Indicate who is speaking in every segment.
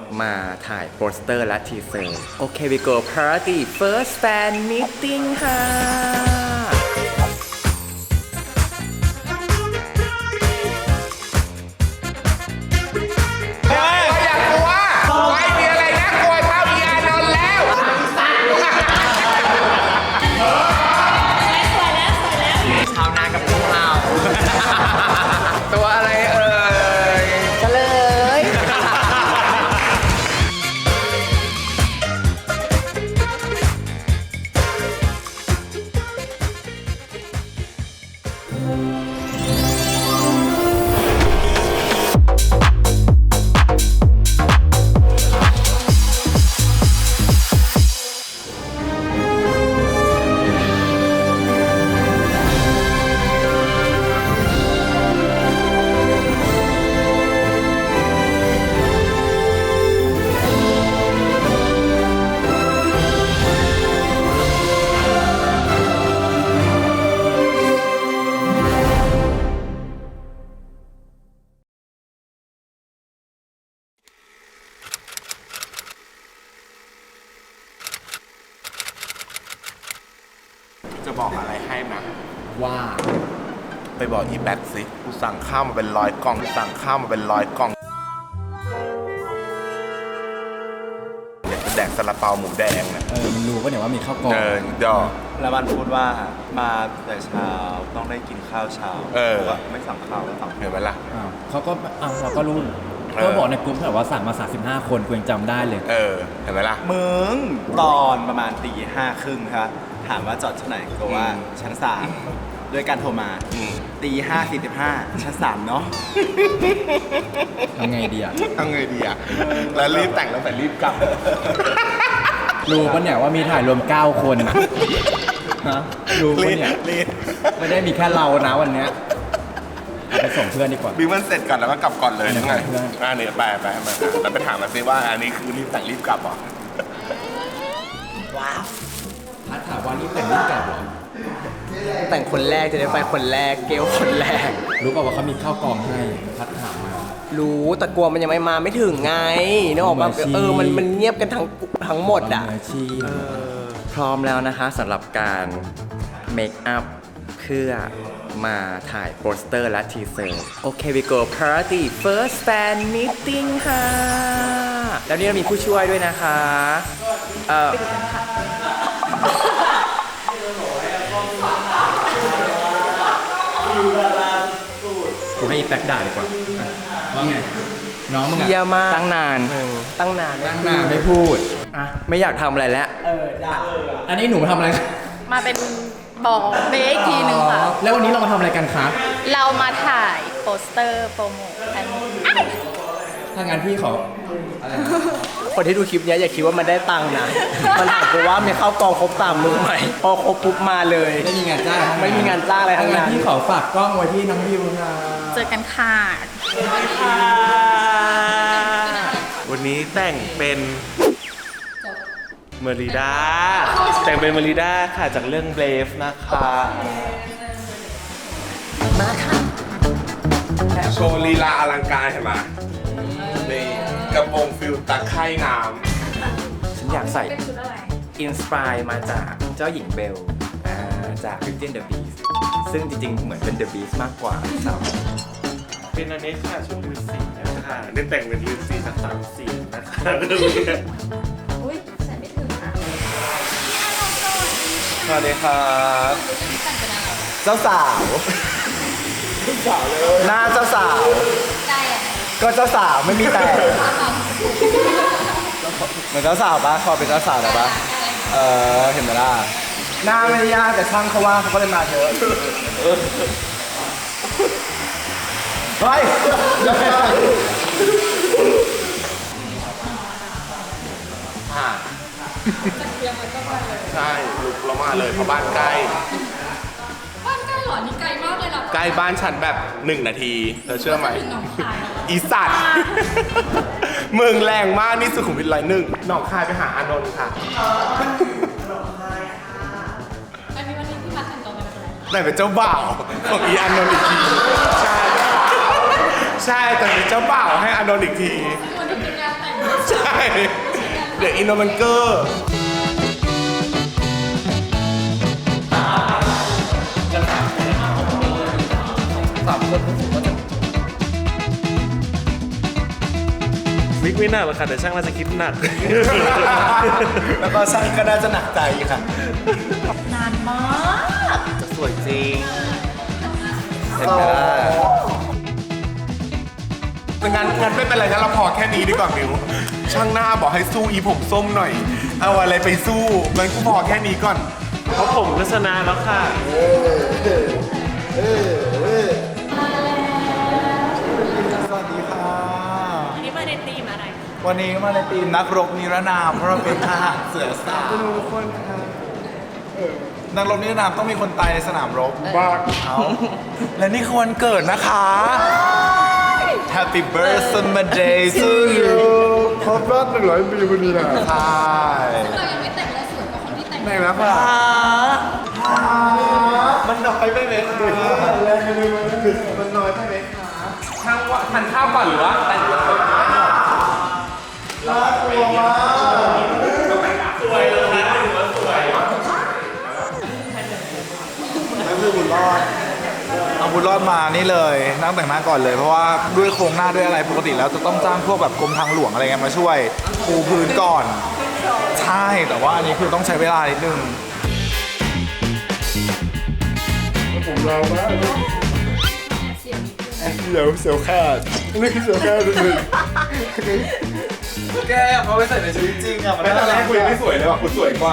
Speaker 1: มาถ่ายโปสเตอร์และทีเซอร์โอเค we go party first fan meeting ค่ะ ตัวอะไรเอ่ยเฉลย
Speaker 2: จะบอกอะไรให้นะ
Speaker 1: ว่า
Speaker 2: ไปบอกอีแบ็คสิกูสั่งข้าวมาเป็น100 กล่องสั่งข้าวมาเป็น100 กล่องอยากจะแดกซาลาเปาหมูแดงนะ
Speaker 1: มันรู้ป่ะเนี่ยว่ามีข้าวกล่อง
Speaker 2: ดอก
Speaker 3: แล้วมันพูดว่ามาแต่เช้าต้องได้กินข้าวเช้าบอกว่าไม่สั่งข้าวแล้วสั่ง
Speaker 2: เห็นไหมล่ะ
Speaker 1: เขาก็เราก็รู้ก็บอกในกลุ่มแบบว่าสั่งมา35 คนกูยังจำได้เลย
Speaker 2: เห็นไหมล่ะ
Speaker 3: มึงตอนประมาณตี 5:30ครับถามว่าจอดที่ไหนก็ว่าชั้น 3ด้วยการโทรมาตี 5:45ชั้น 3เนาะ
Speaker 1: ทำไงดีอ่ะ
Speaker 2: ทำไงดีอ่ะ แล้วรีบแต่งแล้วแต่รีบกลับ
Speaker 1: รู้ป่ะเนี่ยว่ามีถ่ายรวม9 คนอะฮะรู้ป่ะเนี่ย
Speaker 2: รีบ
Speaker 1: ไม่ได้มีแค่เรานะวันเนี้ยเอาไปส่งเพื่อนดีกว่า
Speaker 2: บิ๊กมันเสร็จก่อนแล้วก็กลับก่อนเลยยังไง
Speaker 1: เพื่อน
Speaker 2: เนี่ยไปมาแล้วไปถามมาซิว่าอันนี้คือรีบแต่งรีบกลับเหรอ
Speaker 1: พัดถามว่านี่แต่งรีบกลับเหรอ
Speaker 4: แต่งคนแรกจะได้ไปคนแรกเกลคนแรก
Speaker 1: รู้ป่ะว่าเขามีข้าวกล่องให้พัดถามมา
Speaker 4: รู้แต่กลัวมันยังไม่มาไม่ถึงไงนึกออกปะ
Speaker 1: มืออาชีพ
Speaker 4: มันเงียบกันทั้งหมดอ่ะ
Speaker 1: มืออาชีพ
Speaker 5: พร้อมแล้วนะคะสำหรับการเมคอัพเพื่อมาถ่ายโปสเตอร์และทีเซอร์โอเค we go party first fan meeting ค่ะ แล้วนี่เรามีผู้ช่วยด้วยนะคะ
Speaker 1: กูให้อีแป๊กด่าดีกว่าว่าไง น้องมึง
Speaker 4: เยี่ย
Speaker 1: อะ
Speaker 4: มมาก
Speaker 5: ตั้งนาน
Speaker 4: ตั้งนาน
Speaker 1: ตั้งหน้าไม่พูด
Speaker 5: อ่ะไม่อยากทำอะไรแล้ว
Speaker 1: อันนี้หนูมาทำอะไร
Speaker 6: มาเป็นบอกเบสอีกทีหนึ่งค่ะ
Speaker 1: แล้ววันนี้เรามาทำอะไรกันคะ
Speaker 6: เรามาถ่ายโปสเตอร์โปรโมทกัน
Speaker 1: ถ้างั้นพี่ขอ
Speaker 4: คนที่ดูคลิปเนี้ยอย่าคิดว่ามันได้ตังค์นะ มันถามกูว่ามีเข้ากองครบ3 มือไหมพอครบปุ๊บมาเลย
Speaker 1: ไม่มีงานจ้าง
Speaker 4: ไม่มีงานจ้างอะไรทั้งนั้น
Speaker 1: พี่ขอฝากกล้องไว้ที่น้องวิวค่ะ
Speaker 6: เจอกันค่ะ
Speaker 2: วันนี้แต่งเป็นเมริดาแต่งเป็นเมริดาค่ะจากเรื่องเบรฟนะคะมาค่ะโชว์ลีลาอลังการเห็นไหมนี่กระโปรงฟิลตะไคร่น้
Speaker 5: ฉันอยากใส่อินสปายมาจากเจ้าหญิงเบลจาก Beauty and the Beast ซึ่งจริงๆ เหมือนเป็น The Beast มากกว่าครับ
Speaker 2: ำเป็นอันนี้ค่ะชุดฤาษีนะคะนี่แต่งเป็นฤาษีจาก3 สีนะคะ
Speaker 6: อุ้ยใส่ไม่ถึงค่ะ
Speaker 3: สวัสดีครับเจ้าสาวหน้าเจ้าสาว
Speaker 6: ได้อะ
Speaker 3: ก็เจ้าสาวไม่มีแต่เหมือนเจ้าสาวปะขอเป็นเจ้าสาวได้ปะเห็นไหมล่ะหน้าไม่ได้ยากแต่ช่างเขาว่าเขาก็เลยมาเยอะเฮ้ย
Speaker 2: ใช่ลุกเรามาเลยเพราะบ้านใกล้
Speaker 6: บ้านใกล้เหรอ นี่ไกลมากเลยเหรอ
Speaker 2: ใกล้บ้านฉันแบบ1 นาทีเธอเชื่อไหม
Speaker 6: ถึงหนองคายเหรอ
Speaker 2: อีสัตว์ มึงแรงมากนี่สุขุมวิท101หนองคายไปหาอานนท์ค่ะ
Speaker 6: อันนี้วันนี้พี่พัดแต่งตัวมาเป็นอะไร
Speaker 2: แต่เป็นเจ้าบ่าวของอีอานนท์อีกที ใช่ ใช่แต่เป็นเจ้าบ่าวให้อานนท์อีกที
Speaker 6: วันนี้เป็นงานแต่ง
Speaker 2: ใช่เดี๋ยวอินโนมันเกอร์วิกไม่หนักหรอกค่ะแต่ช่างน่าจะคิดหนัก
Speaker 3: แล้วก็ช่างก็น่าจะหนักใจค่ะ
Speaker 6: นานมาก
Speaker 2: จะสวยจริง
Speaker 3: เห็นไหมล่ะ
Speaker 2: งั้นไม่เป็นไรงั้นเราพอแค่นี้ดีกว่ามิวช่างหน้าบอกให้สู้อีผมส้มหน่อย เอาอะไรไปสู้งั้นกูพอแค่นี้ก่อน เพราะผมก็ชนะแล้วค่ะ
Speaker 3: สวัสดีค่ะ
Speaker 6: อันนี้มาในธีมอะไร
Speaker 3: วันนี้มาในทีมนักรบนิรนามเพราะเราเป็นทหารเสือสาวทุกคนค่ะนักรบนิรนามต้องมีคนตายในสนามรบบ้าเอาและนี่คือวันเกิดนะคะ Happy birthday to you
Speaker 1: ครบรอบ100 ปีพอดีนะ
Speaker 3: ใช่
Speaker 6: เรายังไม่แต่งเลยสวยกว่าคนที่แต่ง
Speaker 1: แต่งแล้วค่ะ
Speaker 3: มันน้อยไปไหมคะมันน้อยไปไหมคะ
Speaker 2: ช่างว่าทานข้าวก่อนหรือว่าแต่งตัว
Speaker 3: น่ากลัวมาก
Speaker 2: สวยเลยนะถือว่าสวย
Speaker 3: แล้วคือบุญรอดเอาบุญรอดมานี่เลยนั่งแต่งหน้าก่อนเลยเพราะว่าด้วยโครงหน้าด้วยอะไรปกติแล้วจะต้องจ้างพวกแบบกรมทางหลวงอะไรเงี้ยมาช่วยปูพื้นก่อน ใช่แต่ว่าอันนี้คือต้องใช้เวลานิดนึง
Speaker 1: ผมเรามากเสียวขาดนี่คือเสียวขาดเลย
Speaker 3: แกเอาไปใส่ในชีวิตจริงอะมัน
Speaker 2: ไม่ตอนแรกคุยไม่สวยเลยว่ะคุณสวยกว่า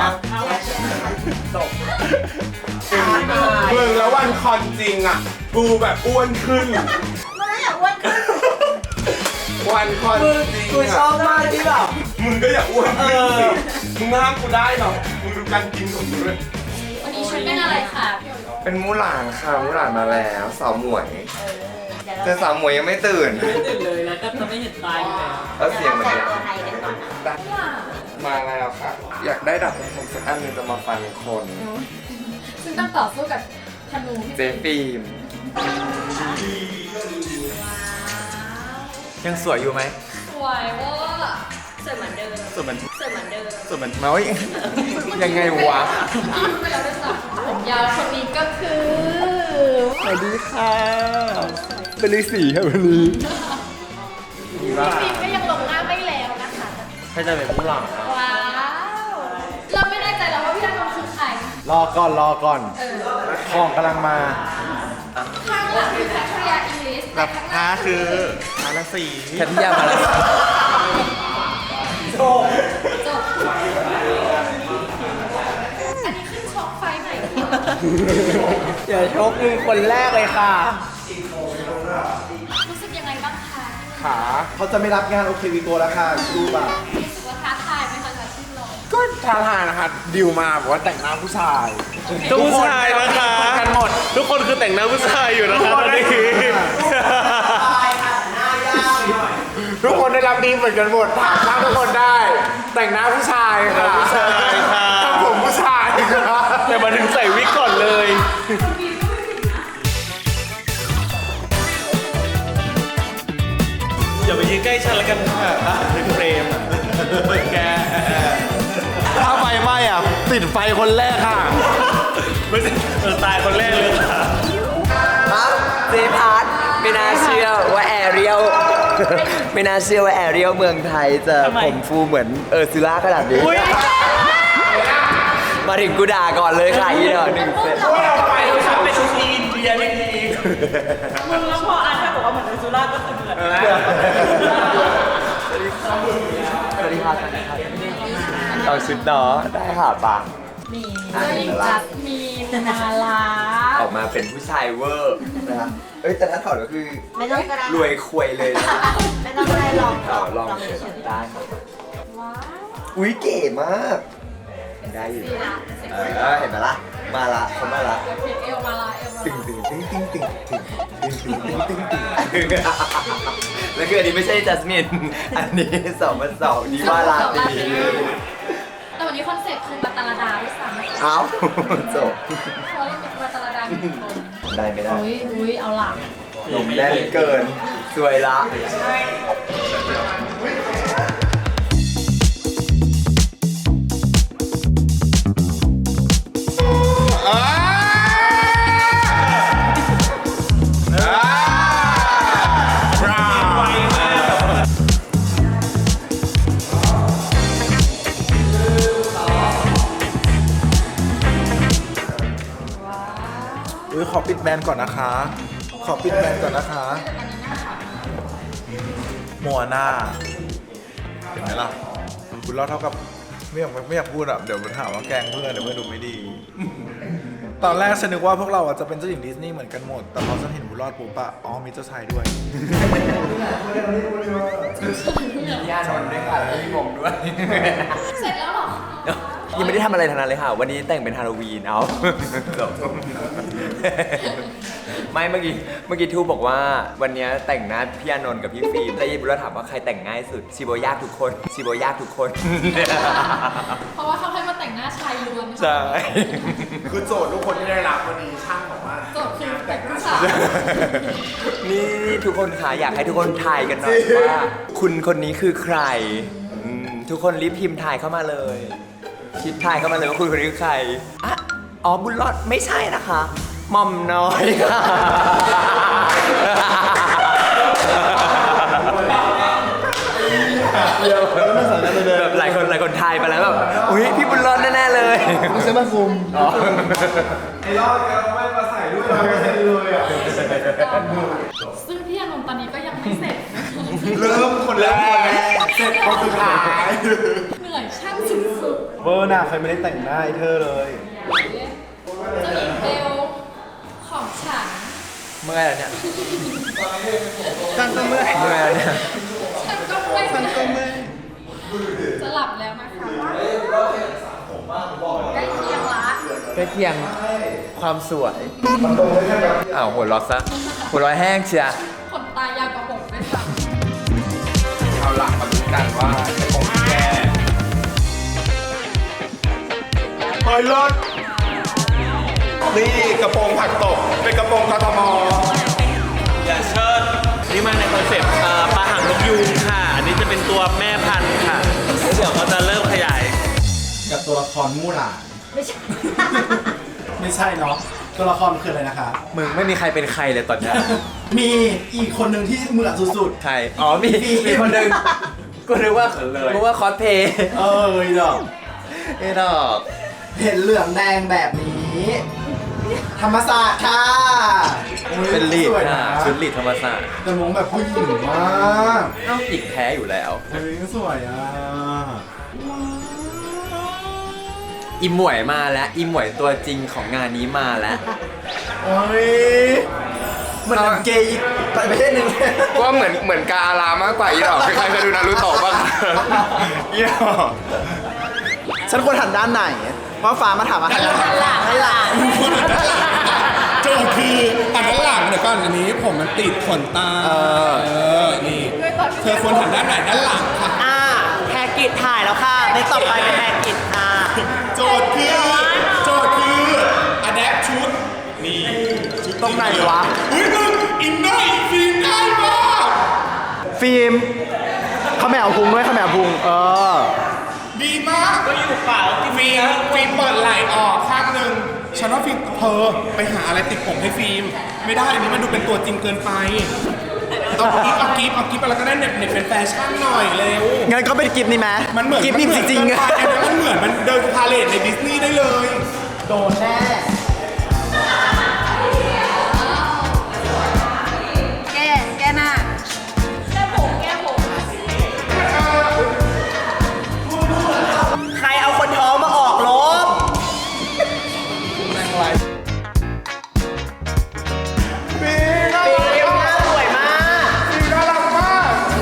Speaker 2: มึงแล้ววันคอนจริงอ่ะกูแบบอ้วนขึ้น
Speaker 6: ไม่อยากอ้วนขึ้น
Speaker 2: วันคอนจริง
Speaker 4: กูชอบมากที่แบบ
Speaker 2: มึงก็อย่าอ้วนขึ้นสิมึงห้ามกูได้หรอกมึงดูการกินของกูด้วย
Speaker 6: วันนี้ชุดเป็นอะไรคะ
Speaker 5: เป็นมูหลานค่ะมูหลานมาแล้วสาวหมวย แต่สาวหมวยยังไม่ตื่น
Speaker 4: ตื่นเลยแล้วก็จะไม่เห็นตายอยู่แล้ว
Speaker 5: แล้วเสียงเหมือนกัน
Speaker 6: ตัวไทยกันก่อนนะ
Speaker 5: มาแล้วค่ะ อยากได้ดับผมสักอันหนึงจะมาฟันคน
Speaker 6: ซึ่งต้องต่อสู้กับธนูที่
Speaker 5: เจฟิล์ม
Speaker 3: ยังสวยอยู่ไหม
Speaker 6: สวยเว่าสวยเหมือนเดิม
Speaker 3: สวยเหมือน
Speaker 6: สวยเหมือนเดิม
Speaker 3: สวยเหมือนน้อยยังไงวะ
Speaker 6: ไปแล้วด้วยซ้ำผมยาวคนนี้ก็คือ
Speaker 1: สวัสดีค่ะเป็นฤาษีค่ะวันนี้
Speaker 6: ฟิล์มก็ยังลงหน้าไม่แล้วนะคะ
Speaker 2: ให้จะเป็นผู้หลัง
Speaker 6: ว้าว เราไม่แน่ใจแล้วว่าพี่ธนนท์คือใคร
Speaker 3: รอก่อน ของกำลังมา
Speaker 6: ข้างหลังคือแคทริยาอิงลิสแต่ข้างหน้าคือ
Speaker 2: อาราศี
Speaker 3: แคทยามาแล้ว
Speaker 6: จบอันนี้ขึ้นช็อคไฟไหนคะ
Speaker 4: เดี๋ยวชกมึงคนแรกเลยค่ะ
Speaker 6: รู้สึกยังไงบ้างคะ
Speaker 3: ขาเขาจะไม่รับงานโอเควีโกแล้วค่ะดูแบบ
Speaker 6: รู้สึกว่าท้าทายไหมคะกับที่ลง
Speaker 1: ก็ท้าทายนะคะดิวมาบอกว่าแต่งหน้าผู้ชาย
Speaker 2: ทุกผู้ชายนะคะกันหมดทุกคนคือแต่งหน้าผู้ชายอยู่นะคะตอนนี้
Speaker 1: ทุกคนได้รับดีเหมือนกันหมดถามช่างทุกคนได้ แต่งหน้าผู้ชายค่ะ
Speaker 2: ผู้ชายค่ะ
Speaker 1: ทำผมผู้ชายค่ะ
Speaker 2: แต่มาถึงใส่วิกก่อนเลยอย่าไปยืนใกล้ฉันแล้วกันค่ะเป็นเฟรมอ่ะแก
Speaker 3: ถ้าไฟไหม้อ่ะติดไฟคนแรกค่ะ
Speaker 2: ไม่ใช่ตายคนแรกเลยค่ะ
Speaker 4: เจพาร์ทไม่น่าเชื่อว่าแอเรียล ไม่น่าเชื่อว่าแอเรียลเมืองไทยจะผมฟูเหมือนซิล่าขนาดนี้ มาถึงกูด่าก่อนเลยค่ะอีดอกหนึ่งเซต
Speaker 2: ไปทำเป็นชุดอินเดียนี่เอง
Speaker 4: มึงแล้วพออาร์ตบอกว่าเหมือนซิล่าก็คือเหมือนสวัสดีครับสวัสดีครับเอาชุดเนาะได้ค่ะปะ
Speaker 6: มีเจ้าหญิงจัสมีนมาลา
Speaker 4: ออกมาเป็นผู้ชายเวอร์นะครับเอ้ยแต่ถ้าถอดก็คือ
Speaker 6: ไม่ต้องกระดาษ
Speaker 4: รวยควยเลยนะ
Speaker 6: ไม่ต้องอะไรลอง
Speaker 4: ลองเฉยๆได้ครับ
Speaker 6: ว้าว
Speaker 4: อุ้ยเก๋มาก ได้อยู่
Speaker 6: ดีนะเซ็ก
Speaker 4: เอ
Speaker 6: ซี่
Speaker 4: อเห็นไหมล่ะ มาละเขามาละ
Speaker 6: เอวมาลาเอวมา
Speaker 4: ตึง
Speaker 6: ลา
Speaker 4: ตึงตึงตึงตึงตึงตึงตึงตึงตึงตึงแล้วคืออันนี้ไม่ใช่จัสมิน อันนี้2+2นี่ว่าลาตี
Speaker 6: แต่วันนี้คอนเซ็ปต์คือบัตตาลาดาด้วยซ้ำ
Speaker 4: เอ้าจบ
Speaker 6: เพราะเราเป็นบัตตาลาดาหนึ่งคน
Speaker 4: ได้ไม่ได้
Speaker 6: อุ้ยเอาหลัง
Speaker 4: ลมแน่นเกิน สวยละ
Speaker 3: ขอปิดแบรนด์ก่อนนะคะ ขอปิดแบรนด์ก่อนนะคะมัวหน้าเห็นไหมล่ะคุณรอดเท่ากับไม่อยากพูดอ่ะเดี๋ยวมันถามว่าแกล้งเพื่อนเดี๋ยวเพื่อนดูไม่ดี ตอนแรกฉันนึกว่าพวกเราจะเป็นเจ้าหญิงดิสนีย์เหมือนกันหมด แต่พอฉันเห็นบุญรอดปุ๊บอะอ๋อมีเจ้าชายด้วย
Speaker 5: ย่านนท์ด้วยค่ะแล้วพี่ผมด้วย
Speaker 6: เสร็จแล้วเหรอ
Speaker 4: ยังไม่ได้ทำอะไรทั้งนั้นเลยค่ะ วันนี้แต่งเป็นฮาโลวีนเอาจบไม่เมื่อกี้ทูบอกว่าวันนี้แต่งหน้าพี่อานนท์กับพี่ฟิล์มแล้วยิบเราถามว่าใครแต่งง่ายสุดชิโบยากทุกคนชิโบยากทุกคน
Speaker 6: เพราะว่าเขาให้มาแต่งหน้าชายล้วน
Speaker 4: ใช่
Speaker 2: คือโจทย์ทุกคนที่ได้รับวันนี้ช่างบอกว่า
Speaker 6: โจทย์คือแต่งผู้ชาย
Speaker 4: นี่ทุกคนค่ะอยากให้ทุกคนทายกันหน่อยว่า คุณคนนี้คือใครทุกคนรีบพิมพ์ทายเข้ามาเลยคิดทายเข้ามาเลยว่าคุณคนนี้คือใครอ่ะอ๋อบุญรอดไม่ใช่นะคะหม่อมน้อยค่ะแบบหลายคนทายไปแล้วแบบอุ้ยพี่บุญรอดแน่ๆเลยไม่ใช่มาคุมไอ้รอดแกไม่มาใส่ด้วยเลยอ่ะ
Speaker 6: ซึ่งพี่อานนท์ตอนนี้ก็ยังไม่เสร็จ
Speaker 2: เริ่มคนแรกเสร็จคนสุดท้าย
Speaker 6: เหนื่อยช่างสุด
Speaker 3: เวอร์น่ะใครไม่ได้แต่งหน้าไอ้เธอเลย
Speaker 6: ๆเจ้าหญิงเบลของฉัน
Speaker 4: เมื่อยแล้วเนี่ยตั้งก็เมื่อยแล้วเนี่ย
Speaker 6: ฉันก็ไม่จะหลับแล้วนะคะใกล้เคียงละ
Speaker 4: ใกล้เคียงความสวยอ้าวหัวเร้อซะหัวเร้อแห้งเชีย
Speaker 6: ขนตายาวกว่าผมด้วยซ้
Speaker 2: เอาหลักมาดูกันว่าจะคงแก้เฮ้ยรถนี่กระโปรงผักตกเป็นกระโปรงกทม
Speaker 7: อย่าเชิดนี่มาในคอนเซ็ปต์ปลาหางนกยูงค่ะ อันนี้จะเป็นตัวแม่พันธุ์ค่ะแล้วเดี๋ยวเขาจะเริ่มขยาย
Speaker 3: กับตัวละครมู่หลานไม่ใช่ ไม่ใช่เนาะตัวละครคืออะไรนะคะ
Speaker 4: มึงไม่มีใครเป็นใครเลยตอนเนี้ย
Speaker 3: มีอีกคนหนึ่งที่เหมือนสุด
Speaker 4: ใครอ๋อมีคนหนึ่งกูนึกว่าคอสเพย์
Speaker 3: ๆ เออดอก
Speaker 4: ไอ้ดอก
Speaker 3: เห็นเหลืองแดงแบบนี้ ธรรมศาสตร์ค่ะโอ้ย
Speaker 4: เป็นลีด
Speaker 3: สวย
Speaker 4: ค่ะ
Speaker 3: นะ
Speaker 4: ชุดลีดธรรมศาสตร์
Speaker 3: แต่มองแบบผู้หญิงมาก
Speaker 4: เอ้าอีกแท้อยู่แล้ว
Speaker 3: เฮ้ยสวยอ่ะ
Speaker 4: อีหมวยมาแล้วอีหมวยตัวจริงของงานนี้มาแล้ว
Speaker 3: โอ้ยมันเกย์อีกประเภทหนึ่ง
Speaker 2: ว่าเหมือนกาอารามากกว่าอีดอกใครเคยดูนารูโตะบ้างอีดอก
Speaker 3: ฉันควรหันด้านไหนว่าฟ้ามาถามอะไรให้หลัง
Speaker 2: โจทย์คืออันด้านหลังเดี๋ยวก่อนอันนี้ผมมันติดขนตานี่เธอควรหันด้านไหนด้านหลังค่ะ
Speaker 8: แพกิจถ่ายแล้วค่ะในต่อไปเป็นแพกิจค่ะ
Speaker 2: โจทย์คืออะแดปชุดนี่ชุด
Speaker 3: ตรงไหนวะ
Speaker 2: อุ้ยมึงอินเนอร์อินฟินได้มาก
Speaker 3: ฟิล์มเขาแมวพุงด้วยเขาแมวพุง
Speaker 2: ดีมากก็อยู่เปล่าฟิล์มเปิดไหล่ออกข้างหนึ่งฉันว่าฟิล์มเธอไปหาอะไรติดผมให้ฟิล์มไม่ได้อันนี้มันดูเป็นตัวจริงเกินไปเอากิฟอะไรก็ได้เน็ตเป็นแฟชั่นหน่อยเร็ว
Speaker 3: งั้นก็เป็นกิฟต์นี่ไหม
Speaker 2: มันเหมือน
Speaker 3: กิฟต์นี่จริงๆ
Speaker 2: อันนี้มันเหมือนมันเดินพาเลทในดิสนีย์ได้เลย
Speaker 3: โดนแน่
Speaker 6: แก้หน้าแก้ผม
Speaker 8: ใครเอาคนท้องมาออกลบ
Speaker 2: ฟิล์ม
Speaker 8: ฟิล์มหน้าสวยมาก
Speaker 2: ฟิล์มน่ารักมาก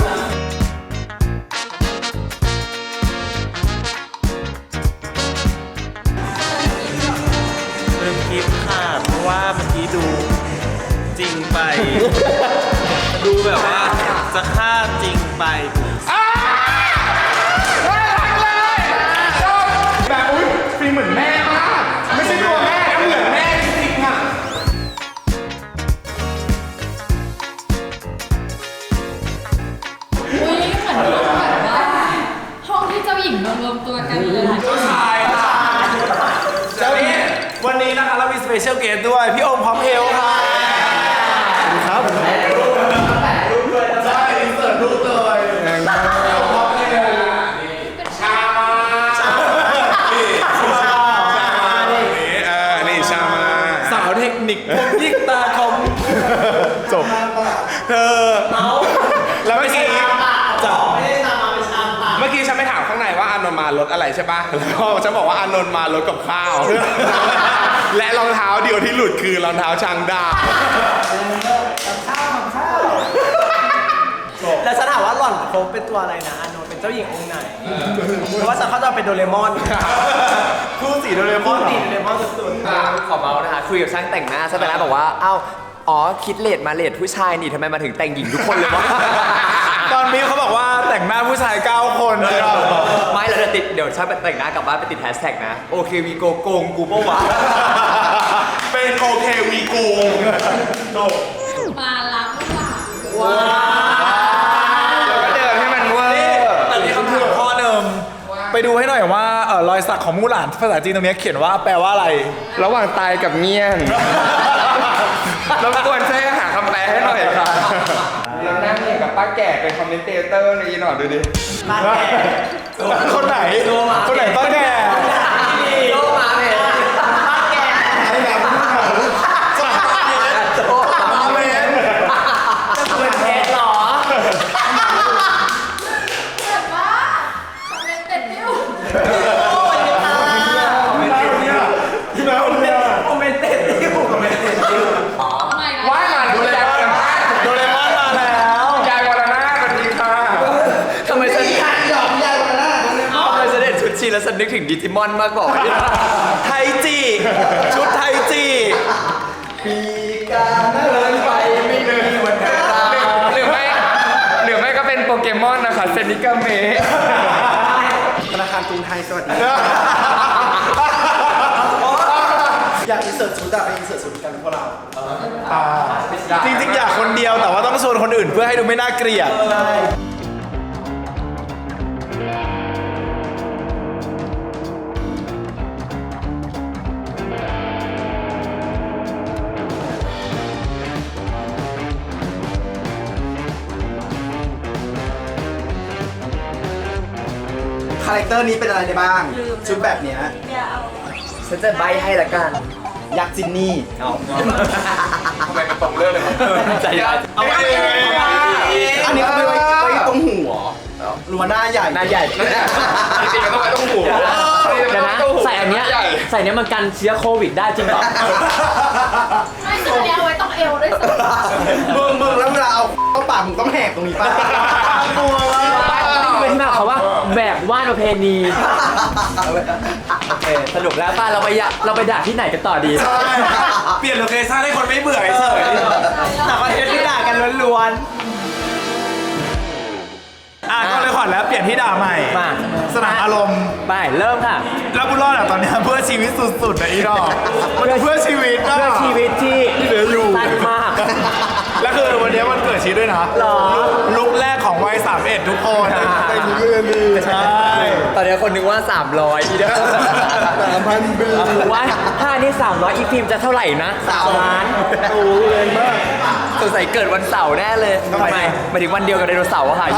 Speaker 7: ลืมคลิปค่ะ เพราะว่าเมื่อกี้ดูจริงไป ดูแบบว่าจะฆ่าจริงไป
Speaker 2: แบบอุ้ยฟิล์มเหมือนแม่มาก ไม่ใช่ตัวแม่นะเหมือนแม่จริงๆอ่ะ
Speaker 6: อุ้ยเหมือนแบบว่าห้องที่เจ้าหญิงมารวมตัวกันเลยค่ะ
Speaker 3: เจ้าหญิงวันนี้นะคะเรามีสเปเชียลเกสด้วย พี่โอมพร้อมเพลค่ะครับใช่อินเสิร์ตรูปเลย
Speaker 2: นี่ชามา
Speaker 4: สาวเทคนิคพวกที่
Speaker 2: ารถอะไรใช่ปะแล้วก็ฉันบอกว่าอานนท์มารถกับข้าว และรองเท้าเดียวที่หลุดคือรองเท้าช้างดาว
Speaker 8: แล้วฉันถามว่าหล่อนเขาเป็นตัวอะไรนะอานนท์เป็นเจ้าหญิงองค์ไหนเพราะว่าฉันเข้าใจเป็นโดเรมอน
Speaker 3: คู่สีโดเรมอนเหรอ
Speaker 8: ตีโดเรมอนสุด
Speaker 4: ขอเมาส์นะคะคุยกับช่างแต่งหน้าช่างแต่งหน้าบอกว่าอ้าวอ๋อคิดเลทมาเลทผู้ชายนี่ทำไมมาถึงแต่งหญิงทุกคนเลยวะ
Speaker 3: ตอนนี้เขาบอกว่าแต่งหน้าผู้ชาย 9 คนเลยอ่ะ
Speaker 4: ไม่เราจะติดเดี๋ยวช่างแต่งหน้ากลับบ้านไปติดแฮชแท็กนะโอเควีโกโกงกูปะวะ
Speaker 2: เป็นโอเควีโกง
Speaker 6: มาล้างหลัง
Speaker 3: แล้วก็เดินให้มันเวอร์แต่มีคำถามข้อหนึ่งไปดูให้หน่อยว่ารอยสักของมู่หลานภาษาจีนตรงนี้เขียนว่าแปลว่าอะไร
Speaker 1: ระหว่างตายกับเงี้ยนรบกวนช่วยหาคำแปลให้หน่อยค่ะเรานั่งเรียนกับป้าแก่เป็นคอมเมนเตเตอร์ในหน่อยดูดิ
Speaker 8: ๆมาแก่
Speaker 3: คนไหนคนไหนต้องแก่
Speaker 4: โลมาเลย
Speaker 8: มาแก่
Speaker 3: ให้แบบ
Speaker 4: โลมาเลย
Speaker 8: จะเป็นเพชรหรอ
Speaker 6: เกิดว่าคอมเมนต์เป็นนิ้ว
Speaker 8: โอ้ยตา
Speaker 3: ที่แล้วเนี่ย
Speaker 8: คอมเมนต์เต็ดที่หูคอมเมนต์เต็ดที่หู
Speaker 6: ทำไมล่ะ
Speaker 1: ว่ายมาดูแลกัน
Speaker 3: โดเรมอนมาแล้ว
Speaker 1: ยายวรนาถสวัสดีค่ะ
Speaker 4: ทำไมฉันทำไมฉันเห็นชุดชีแล้วฉันนึกถึงดิจิมอนมากกว่า
Speaker 3: ไทจีชุดไทจี
Speaker 4: ปีกาเดินไปไม่มีวันเวลา
Speaker 1: หรือไม่ก็เป็นโปเกมอนนะคะเซนิกาเมะ
Speaker 3: ธนาคารกรุงไทยสวัสดีอยากอินเสิร์ตชุดอะไปอินเสิร์ตชุดกันพวกเราจริงๆอยากคนเดียวแต่ว่าต้องชวนคนอื่นเพื่อให้ดูไม่น่าเกลียด
Speaker 9: คาแรคเตอร์นี้เป็นอะไรได้บ้าง ชุดแบบเนี้ย
Speaker 4: ฉันจะใบให้ละกัน
Speaker 9: ยักษ์จินนี่
Speaker 1: ทำไมมันตรงเรื่องเลย
Speaker 4: ใจร้าย
Speaker 3: เอาไปเลย
Speaker 9: อันนี้เขาไปไว้ตรงหัวหรือว่าหน้าใหญ่
Speaker 4: หน้าใหญ่
Speaker 1: จริงๆมันต้องไปต้องหู
Speaker 5: เดี๋ยวนะใส่อันเนี้ยใส่เนี้ยมันกันเชื้อโควิดได้จริงเหรอ
Speaker 6: ไม่ตัวเนี้ยเอาไว้ต้องเอวด้วยสิ
Speaker 9: มึงแล้วเวลาเอาเข้าปากมึงต้องแหกตรงนี้ป่ะ
Speaker 3: กลัวมาก
Speaker 5: นี่เป็นที่มาของเขาว่าแบกว่านประเพณีโอเคสรุปแล้วป้าเราไปด่าที่ไหนกันต่อดี
Speaker 3: ใช่เปลี่ยนโลเคชั่นให้คนไม่เบื่อเฉย
Speaker 8: แต่ประเทศที่ด่ากันล้วน
Speaker 3: ก็เลยขอแล้วเปลี่ยนที่ด่าใหม่
Speaker 5: มา
Speaker 3: สนามอารมณ์
Speaker 5: ไปเริ่มค่ะ
Speaker 3: แล้วบุญรอดอะตอนเนี้ยเพื่อชีวิตสุดๆนะอีดอกมันเพื่อชีวิตอะ
Speaker 5: เพื่อชีวิตที่
Speaker 3: เหลืออยู่
Speaker 5: สั้นมาก
Speaker 3: แล้วคือวันนี้มันเกิดชีวิตด้วยนะ
Speaker 5: หรอ
Speaker 3: ลุกแรกของวัย31ทุกคนเป็นเรื่องดีใช่
Speaker 4: ตอนนี้คนนึกว่า 300อีเด้อ
Speaker 3: 3,000 ปี
Speaker 5: ว่าถ้านี่300อีฟิล์มจะเท่าไหร่นะ3 ล้าน
Speaker 3: โอ้ยเลยมาก
Speaker 4: สงสัยเกิดวันเสาร์แน่เลย
Speaker 3: ทำไม
Speaker 4: หมายถึงวันเดียวกับไดโนเสาร์อะค่ะ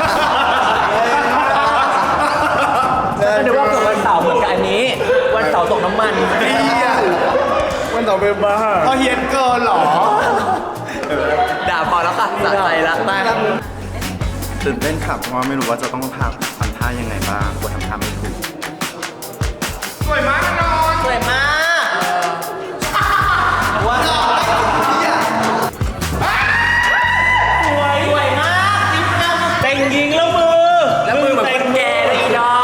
Speaker 5: ก็นึกว่าเกิดวันเสาร์เหมือนกับอันนี้ วันเสาร์ตกน้ำมัน
Speaker 3: วันต่อไปบ้าเขาเฮียนเกินเหรอ
Speaker 4: ด่าพอแล้วค่ะสะใจละไป
Speaker 9: ตื่นเต้นค่ะเพราะว่าไม่รู้ว่าจะต้องทำท่ายังไงบ้างกลัวทำท่าไม่ถูก
Speaker 2: สวยมากนอน
Speaker 8: ๆสวยมากว้าวสวยมากติ๊กเก้า
Speaker 5: แต่งหญิงแล้วมือ แล้วมือเหมือนคนแก่เลยอีดอก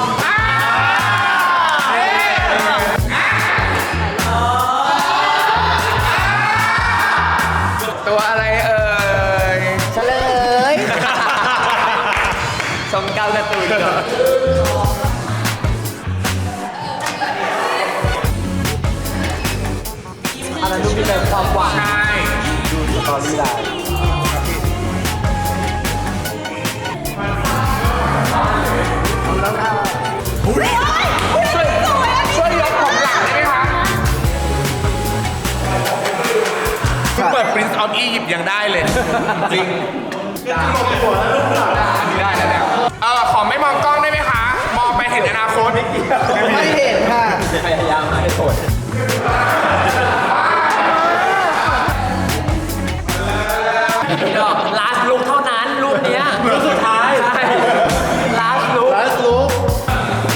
Speaker 1: ตัวอะไรเอ่ย
Speaker 5: เฉลย
Speaker 4: ชมเก้าการ์ตูนก่อน
Speaker 5: อันนั้นดูมีแต่ความหวาน
Speaker 2: ใช่
Speaker 5: ตอรี่ไลน์
Speaker 2: ช่วยยกของหลังได้ไหมคะคุณเปิด Prince of Egypt ยังได้เลย จริงได้แล้วเนี่ยขอไม่มองกล้องได้ไหมคะ มองไปเห็นอนาคต
Speaker 9: ไม่เห็นค่ะ
Speaker 5: พยายามมาให้โสด อีดอก last look เท่านั้นรูปเนี้ยรูปสุดท้าย ใช่ last look
Speaker 3: แล้วรู้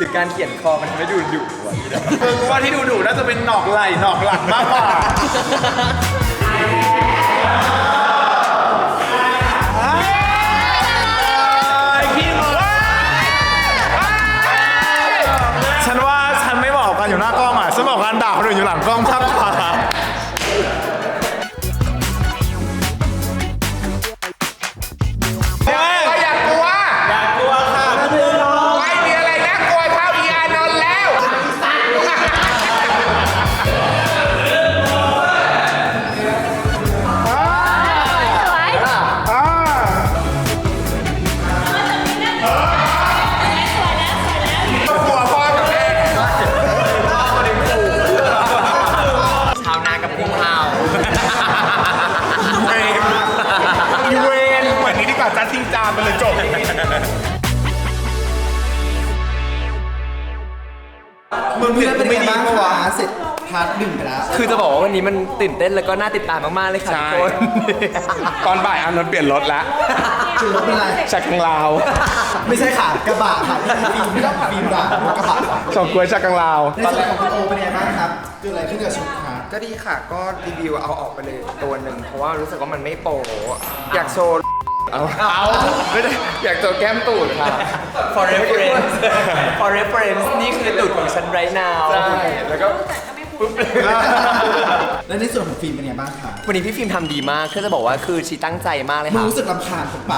Speaker 4: รือการเขียนคอมันทำให้ดูดุกว่า
Speaker 3: คือว่าที่ดูน่าจะเป็นหนอกไหล่หนอกหลังมากกว่าฉันว่าฉันไม่บอกกันอยู่หน้ากล้องอ่ะฉันบอกกันด่าคนอื่นอยู่หลังกล้องมากกว่า
Speaker 1: อยากกลัวค่ะไม่มีอะไรน่ากลัวเท่าอีอานนท์แล้ว กลัวพ่อกับแม่
Speaker 4: ชาวนากับกุ้งเผา
Speaker 2: เวนเหมือนนี้ดีกว่าจัดทิ้งจานไปเลยจบ
Speaker 3: มึงเพื่อนเป็นไงบ้างคะเสร็จพาร์ทหนึ่งไปแล้ว
Speaker 4: คือจะบอกว่าวันนี้มันตื่นเต้นแล้วก็น่าติดตามมากๆเลยค่ะทุกคน
Speaker 1: ตอนบ่ายอานนท์เปลี่ยนรถแล้ว
Speaker 3: คือรถเป็นไร
Speaker 1: จากทางลาว
Speaker 3: ไม่ใช่ค่ะกระบะค่ะฟิล์มไม่ต้องฟิล์มด่ารถกระบะค่ะ
Speaker 1: สองกล้วยจากทางลาว
Speaker 3: ในส่วนของคุณโอเป็นไงบ้างครับเกิดอะไรขึ้นกับชุดคะ
Speaker 1: ก็ดีค่ะ ก็รีวิวเอาออกไปเลยตัวหนึ่งเพราะว่ารู้สึกว่ามันไม่โปอยากโชว์เอาไม่ได้อยากโชว์แก้มตูดค่ะ
Speaker 4: for reference for reference นี่คือตูดของฉัน right now
Speaker 1: ใช่แล้วก็ปุ๊บ
Speaker 3: และในส่วนของฟิล์มเป็นไงบ้างคะ
Speaker 4: วันนี้พี่ฟิล์มทำดีมากคือจะบอกว่าคือชีตั้งใจมากเลย
Speaker 3: มึง
Speaker 4: ค่ะ
Speaker 3: รู้สึกรำคาญของปาก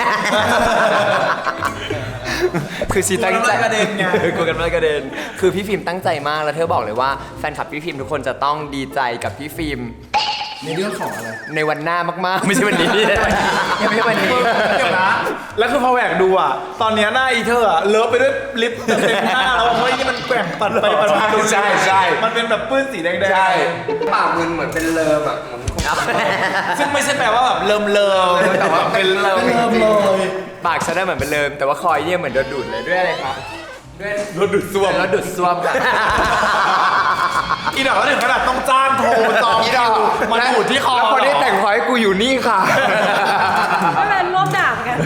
Speaker 4: คือชีตั้งใจ
Speaker 3: กลัวกันมากระเด็นไง
Speaker 4: กลัวกันมากกระเด็นคือพี่ฟิล์มตั้งใจมากแล้วเธอบอกเลยว่าแฟนคลับพี่ฟิล์มทุกคนจะต้องดีใจกับพี่ฟิล์ม
Speaker 3: ในเรื่องของอะไร
Speaker 4: ในวันหน้ามากๆ ไม่ใช่วันนี้ ยังไม่ใช่วันนี้
Speaker 3: เดี๋ยวนะ แล้วคือพอแหวกดูอ่ะ ตอนเนี้ยหน้าอีเธออ่ะเลอะไปด้วยลิปเต็มหน้าแล้วเฮ้ยนี่มันแกว่งปัดไปปัดมา
Speaker 1: ใช่ใช่
Speaker 3: มันเป็นแบบปื้นสีแดงๆ
Speaker 1: ใช่ปากมึนเหมือนเป็นเลิมอ่ะเหมือน
Speaker 3: ซึ่งไม่ใช่แปลว่าแบบเลิม
Speaker 1: แต่ว่าเป็นเลิม
Speaker 3: เป็นเลิมเลย
Speaker 4: ปากฉันน่ะเหมือนเป็นเลิมแต่ว่าคอยเนี่ยเหมือนโดนดูดเลยด้วยอะไรคะด้วยรถดูดซ่วมรถดูดซ่วมค่ะ
Speaker 3: อีดอกก็ถึงขนาดต้องจ้างโทรจอง
Speaker 1: อีดอก
Speaker 3: มันหูดที่คอ
Speaker 1: แล้วคนที่แต่งพอยกูอยู่นี่ค่ะ
Speaker 6: ไม่เป็นรวบดาบกัน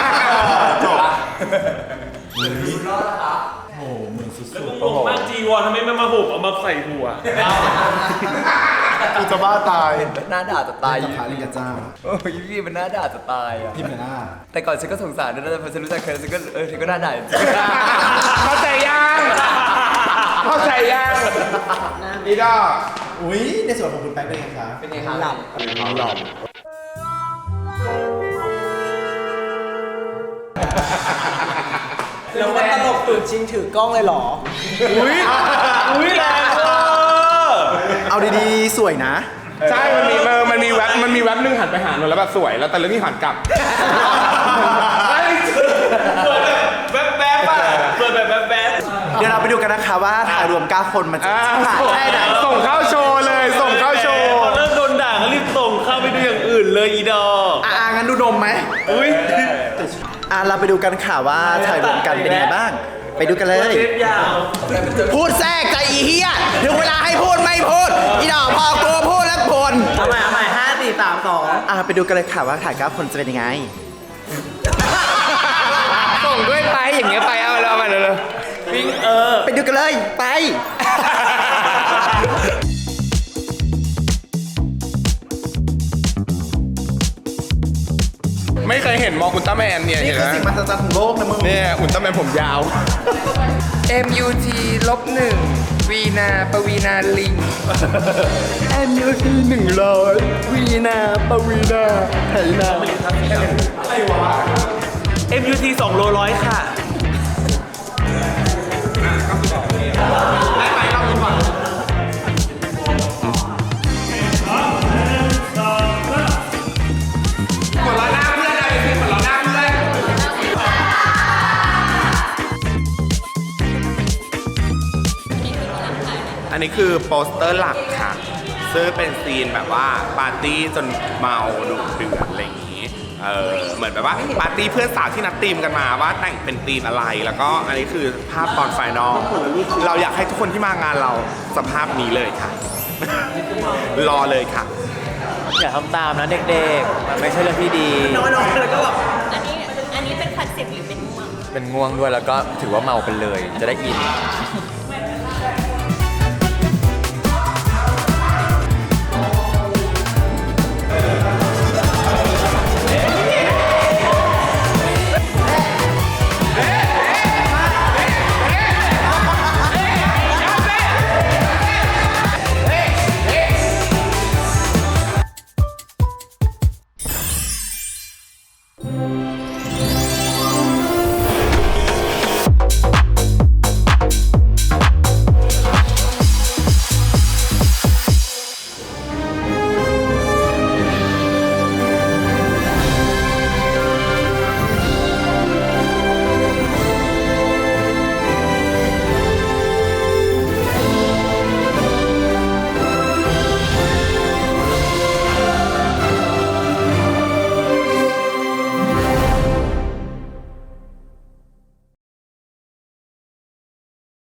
Speaker 7: งงมากจีวรทำไมไม่มาหุบเอามาใส่หัว
Speaker 3: กูจะบ้าตาย
Speaker 4: หน้าด่าจะตาย
Speaker 3: กับพาลิงกับเจ้า
Speaker 4: โอ้ยพี่มันหน้าด่าจะตายอ่ะ
Speaker 3: พี่เมล่า
Speaker 4: แต่ก่อนฉันก็สงสารด้วยนะแต่พอฉันรู้จักเธอฉันก็เธอก็หน้าด่าจริง
Speaker 1: เข้าใจยังเข้าใจยังอีดอก
Speaker 3: อุ้ยในส่วนของคุณแป๊กเป็นไงคะ
Speaker 4: เป็นไงคะหลับหลับ
Speaker 8: แล้วมันตลกตื่นจริงถือกล้องเลยเหรอ
Speaker 7: อุ้ยแรงเออ
Speaker 3: เอาดีๆ สวยนะ
Speaker 1: ใช่มันมีแว็บนึงหันไปหาหนูแล้วแบบสวยแล้วแต่เรื่องนี้หันกลับ
Speaker 7: แบ๊บแบ๊บอ่ะเปิดแบบแบ๊บแบ๊บ
Speaker 3: เดี๋ยวเราไปดูกันนะคะว่าถ่ายรวม 9 คนมันจะถ่ายได้ไหน
Speaker 1: ส่งเข้าโชว์เลย ส่งเข้าโชว์
Speaker 7: พอเริ่มโดนด่าก็รีบส่งเข้าไปดูอย่างอื่นเลยอีดอก
Speaker 3: งั้นดูนมไหม
Speaker 7: อุ้ย
Speaker 3: เราไปดูกันค่ะว่าถ่ายรวมกันเป็นยังไงบ้าง ไปดูกันเลย
Speaker 7: เทปยาว
Speaker 3: พูดแทรกใจอีเฮียถึงเวลาให้พูดไม่พูด อีดอกพอกูพูดแล้วพล
Speaker 8: เอาใหม่5 4 3 2
Speaker 3: ไปดูกันเลยค่ะว่าถ่าย 9 คนจะเป็นยังไง
Speaker 1: ส่งด้วยไปอย่างเงี้ยไปเอามาเลย
Speaker 7: วิ่ง
Speaker 3: ไปดูกันเลย ไป
Speaker 1: ไม่เคยเห็นมองอุลตร้าแมนเนี่ย
Speaker 3: นี่
Speaker 1: เห็น
Speaker 3: คือ
Speaker 1: ไหม
Speaker 3: สิ่งมหัศจรรย์ของโลกนะมึง
Speaker 1: เนี่ยอุลตร้าแมนผมยาว MUT-1 วีนาปวีนาลิง
Speaker 3: MUT 100 วีนาปวีนาไถนา
Speaker 7: MUT 2 โลร้อยค่ะ
Speaker 1: หัวเราะหน้าเพื่อนอะไรพี่หัวเราะหน้าเพื่อนอันนี้คือโปสเตอร์หลักค่ะ ซึ่งเป็นซีนแบบว่าปาร์ตี้จนเมาดุเดือดอะไรอย่างนี้ เหมือนแบบว่าปาร์ตี้เพื่อนสาวที่นัดธีมกันมาว่าแต่งเป็นธีมอะไร แล้วก็อันนี้คือภาพตอนไฟนอล เราอยากให้ทุกคนที่มางานเราสภาพนี้เลยค่ะ รอเลยค่ะ
Speaker 8: อย่าทำตามนะเด็กๆ มันไม่ใช่เรื่องที่ดี
Speaker 6: อันนี้เป็นคอนเซ็ปต์หรือเป็นม่วง
Speaker 1: เ
Speaker 5: เป็นง่วงด้วยแล้วก็ถือว่าเมาไปเลยจะได้อิน